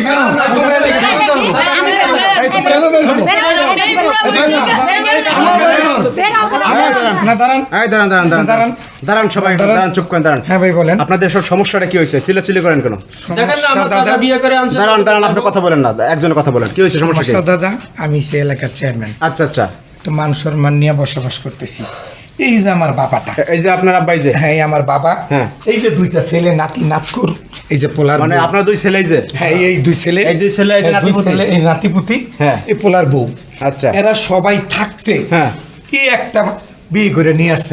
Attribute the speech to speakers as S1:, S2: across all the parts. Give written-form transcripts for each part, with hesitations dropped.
S1: দাঁড়ান সবাই, দাঁড়ান, চুপ করেন, দাঁড়ান।
S2: হ্যাঁ ভাই বলেন,
S1: আপনাদের সব সমস্যাটা কি হয়েছে? চিল্লাচিল্লি করেন কেন? দাঁড়ান, আপনি কথা বলেন না, একজনের কথা বলেন। কি হয়েছে, সমস্যা কি?
S2: দাদা আমি সে এলাকার চেয়ারম্যান।
S1: আচ্ছা আচ্ছা,
S2: তো মান সম্মান নিয়ে বসবাস করতেছি। এই যে আমার বাবাটা,
S1: এই যে আপনার আব্বাই যে,
S2: হ্যাঁ এই আমার বাবা,
S1: হ্যাঁ
S2: এই যে দুইটা ছেলে নাতি নাতকুর, এই যে পোলার,
S1: মানে আপনার দুই ছেলে, যে
S2: হ্যাঁ এই দুই ছেলে,
S1: এই দুই ছেলে, এই যে নাতিপুতি,
S2: এই নাতিপুতি,
S1: হ্যাঁ
S2: এই পোলার বউ।
S1: আচ্ছা,
S2: এরা সবাই থাকতে
S1: হ্যাঁ
S2: কি একটা বিয়ে করে নিয়ে আসছে।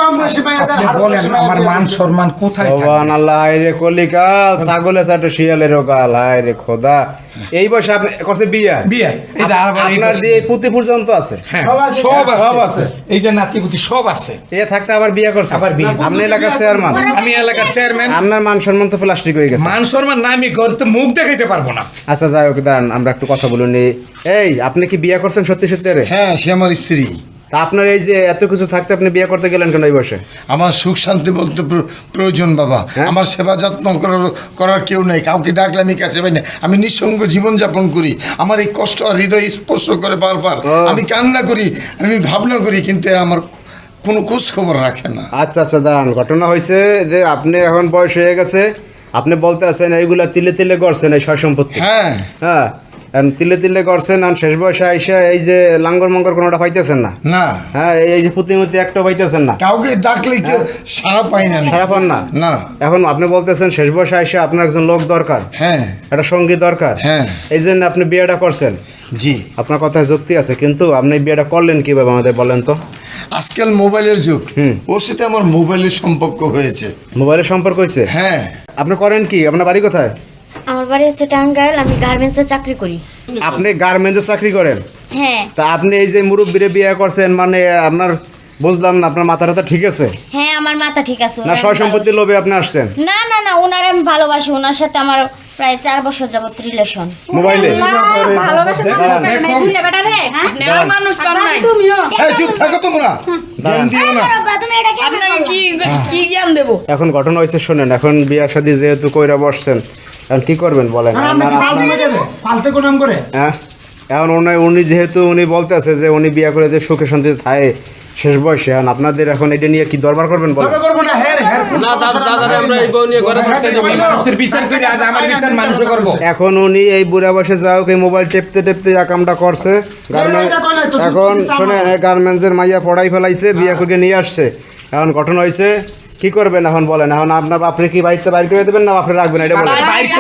S2: আপনি বলেন আমার মান সম্মান কোথায় থাকবে?
S1: সুবহানাল্লাহ, রে কলিকাল ছাগলে চাটে শিয়ালেরও গাল, হায় রে খোদা। এই বয়সে আপনি করতে বিয়া?
S2: বিয়া এই যে
S1: আপনার দিয়ে পুঁতি পর্যন্ত আছে,
S2: হ্যাঁ
S1: সব আছে,
S2: এই যে নাতিপুতি সব আছে।
S1: এ থাকতে আবার বিয়া করছে,
S2: আবার বিয়ে।
S1: আপনি এলাকার চেয়ারম্যান,
S2: আমি এলাকার চেয়ারম্যান,
S1: আপনার মান সম্মান তো প্লাস্টিক হয়ে গেছে।
S2: মান সম্মান না, আমি ঘরে তো মুখ দেখাইতে পারবো না।
S1: আচ্ছা যাই হোক, দাঁড়ান আমরা একটু কথা বলুন। এই আপনি কি বিয়ে করছেন সত্যি সত্যি? রে
S3: হ্যাঁ, সে আমার স্ত্রী।
S1: তা আপনার এই যে এত কিছু থাকতে আপনি বিয়ে করতে গেলেন কেন এই বয়সে?
S3: আমার সুখ শান্তি বলতে প্রয়োজন বাবা।
S1: হ্যাঁ?
S3: আমার সেবা যত্ন করার কেউ নেই, কাউকে ডাকলে আমি কাছে পাই না। আমি নিঃসঙ্গ জীবনযাপন করি। আমার এই কষ্ট আর হৃদয় স্পর্শ করে বারবার। আমি কান্না করি, আমি ভাবনা করি, কিন্তু এরা আমার কোনো খোঁজ খবর রাখে না।
S1: আচ্ছা আচ্ছা, দাঁড়ান, ঘটনা হয়েছে যে আপনি এখন বয়স হয়ে গেছে, আপনি বলতে আছেন এইগুলা তিলে তিলে করছেন, এই সয় সম্পত্তি,
S3: হ্যাঁ
S1: হ্যাঁ তিলে তিলে করছেন, আর শেষ বয়সে আইসা এই যে লাঙ্গর মঙ্গর কোনোটা পাইতেছেন না,
S3: না
S1: হ্যাঁ এই যে পুঁতিমতি একটা পাইতেছেন না,
S3: কাউকে ডাকলে কেউ সারা পাই না আমি।
S1: সারা পান না।
S3: না
S1: এখন আপনি বলতেছেন শেষ বয়সে আইসা আপনার একজন লোক দরকার,
S3: হ্যাঁ
S1: একটা সঙ্গী দরকার,
S3: হ্যাঁ
S1: এই জন্য আপনি বিয়েটা করছেন।
S3: জি,
S1: আপনার কথায় যুক্তি আছে, কিন্তু আপনি বিয়েটা করলেন কিভাবে আমাদের বলেন তো?
S3: আজকাল মোবাইলের যুগ, ওর সাথে আমার মোবাইলের সম্পর্ক হয়েছে।
S1: মোবাইলের সম্পর্ক হয়েছে?
S3: হ্যাঁ।
S1: আপনি করেন কি? আপনার বাড়ি কোথায়?
S4: আমার বাড়ি হচ্ছে টাঙ্গাইল, আমি গার্মেন্টসে চাকরি করি।
S1: আপনি গার্মেন্টসে চাকরি করেন?
S4: হ্যাঁ।
S1: তা আপনি এই যে মুরব্বিরে বিয়ে করছেন, মানে আপনার বুঝলাম না, আপনার মাথাটা ঠিক আছে
S4: হ্যাঁ আমার মাথা ঠিক আছে।
S1: না সয় সম্পত্তির লোভে আপনি আসছেন?
S4: না না না, ওনারে আমি ভালোবাসি, ওনার সাথে আমার প্রায় 4 বছর যাবত রিলেশন।
S1: মোবাইলে?
S3: হ্যাঁ, চুপ থাকো তোমরা, জ্ঞান দিও না।
S4: কি জ্ঞান দেবো?
S1: এখন ঘটনা হয়েছে শোনেন, এখন বিয়া শাদী যেহেতু কইরা বসছেন, এখন কি করবেন বলেন? হ্যাঁ, এখন উনি যেহেতু উনি বলতে আছে যে উনি বিয়া করে যে সুখে শান্তিতে থাকে শেষ বয়সে, এখন আপনাদের এখন এটা নিয়ে কি দরবার করবেন বলেন? এখন উনি এই বুড়া বয়সে যাও এই মোবাইল টেপতে টেপতে যা কামটা করছে, এখন শোনেন গার্মেন্টসের মাইয়া পড়াই ফেলাইছে, বিয়া করে নিয়ে আসছে, এখন ঘটনা হয়েছে কি করবেন এখন বলেন? এখন আপনার বাপরে কি বাড়িতে বাইর করে দেবেন না বাপরে রাখবেন এটা বলেন?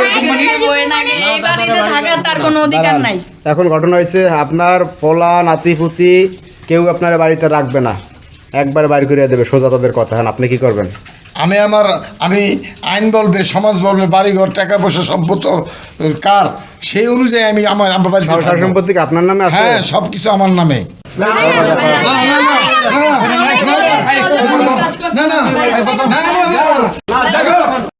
S1: এখন ঘটনা হয়েছে আপনার পোলা নাতিপুতি কেউ আপনার বাড়িতে রাখবে না, একবার বাইর করে দেবে সোজা তাদের কথা। এখন আপনি কি করবেন?
S3: আমি আইন বলবে, সমাজ বলবে, বাড়িঘর টাকা পয়সা সম্পদ কার, সেই অনুযায়ী আমি আমার বাড়িতে
S1: সম্পত্তি আপনার নামে আছে?
S3: হ্যাঁ, সবকিছু আমার নামে। না না না, দেখো